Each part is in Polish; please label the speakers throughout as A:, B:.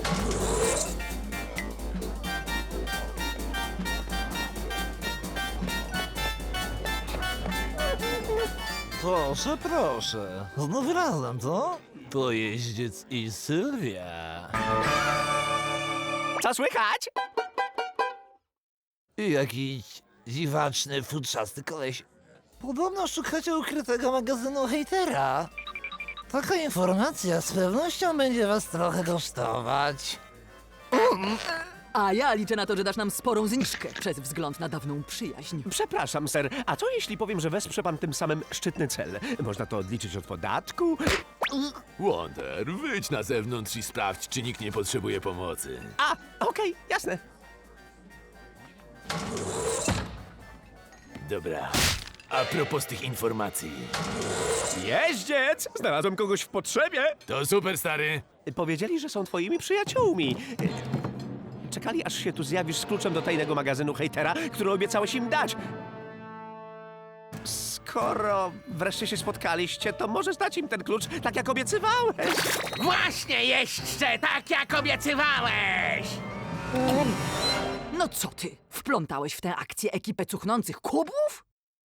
A: Proszę, proszę. Znów razem, co? To jeździec i Sylwia.
B: Co słychać?
A: I jakiś dziwaczny, futrzasty koleś. Podobno szukacie ukrytego magazynu hejtera. Taka informacja z pewnością będzie was trochę kosztować.
C: A ja liczę na to, że dasz nam sporą zniżkę przez wzgląd na dawną przyjaźń.
B: Przepraszam, ser, a co jeśli powiem, że wesprze pan tym samym szczytny cel? Można to odliczyć od podatku?
D: Wonder, wyjdź na zewnątrz i sprawdź, czy nikt nie potrzebuje pomocy.
B: A, okej, jasne.
D: Dobra. A propos tych informacji.
B: Jeździec! Znalazłem kogoś w potrzebie.
D: To super, stary.
B: Powiedzieli, że są twoimi przyjaciółmi. Czekali, aż się tu zjawisz z kluczem do tajnego magazynu hejtera, który obiecałeś im dać. Skoro wreszcie się spotkaliście, to możesz dać im ten klucz, tak jak obiecywałeś.
E: Właśnie, jeźdźcze, tak jak obiecywałeś!
C: No co ty? Wplątałeś w tę akcję ekipę cuchnących kubów?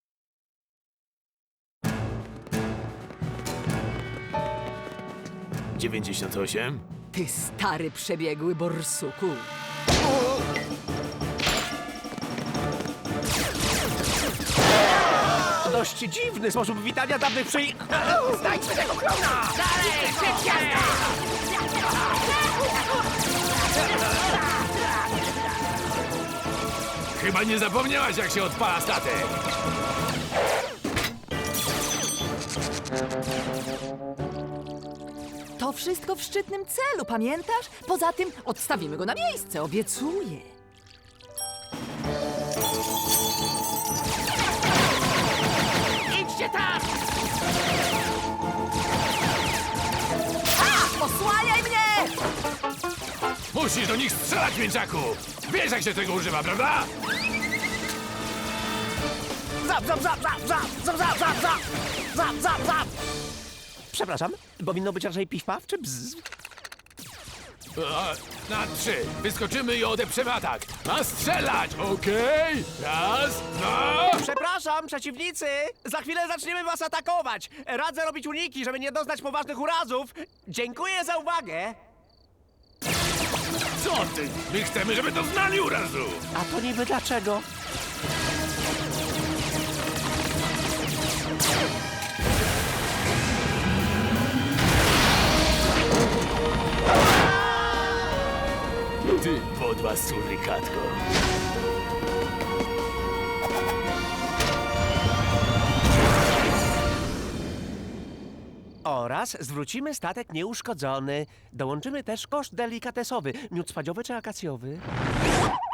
D: $98.
C: Ty stary przebiegły borsuku.
B: Dość dziwny sposób witania dawnych
E: Znajdźmy tego klona! Dalej, szybciej!
D: Chyba nie zapomniałaś, jak się odpala statek.
C: To wszystko w szczytnym celu, pamiętasz? Poza tym odstawimy go na miejsce, obiecuję.
E: Idźcie tam!
C: Osłaniaj mnie!
D: Musisz do nich strzelać, mięczaku! Wiesz, jak się tego używa, prawda?
B: Zap, zap, zap, zap, zap, zap, zap, zap, zap, zap, zap, zap. Przepraszam, powinno być raczej piw-paw czy bzz?
D: Na 3. Wyskoczymy i odeprzemy atak. A strzelać, okej? Raz, dwa...
B: Przepraszam, przeciwnicy! Za chwilę zaczniemy was atakować! Radzę robić uniki, żeby nie doznać poważnych urazów. Dziękuję za uwagę!
D: Co ty? My chcemy, żeby to znali urazu!
B: A to niby dlaczego?
D: Ty podła surykatko.
B: Oraz zwrócimy statek nieuszkodzony. Dołączymy też koszt delikatesowy. Miód spadziowy czy akacjowy?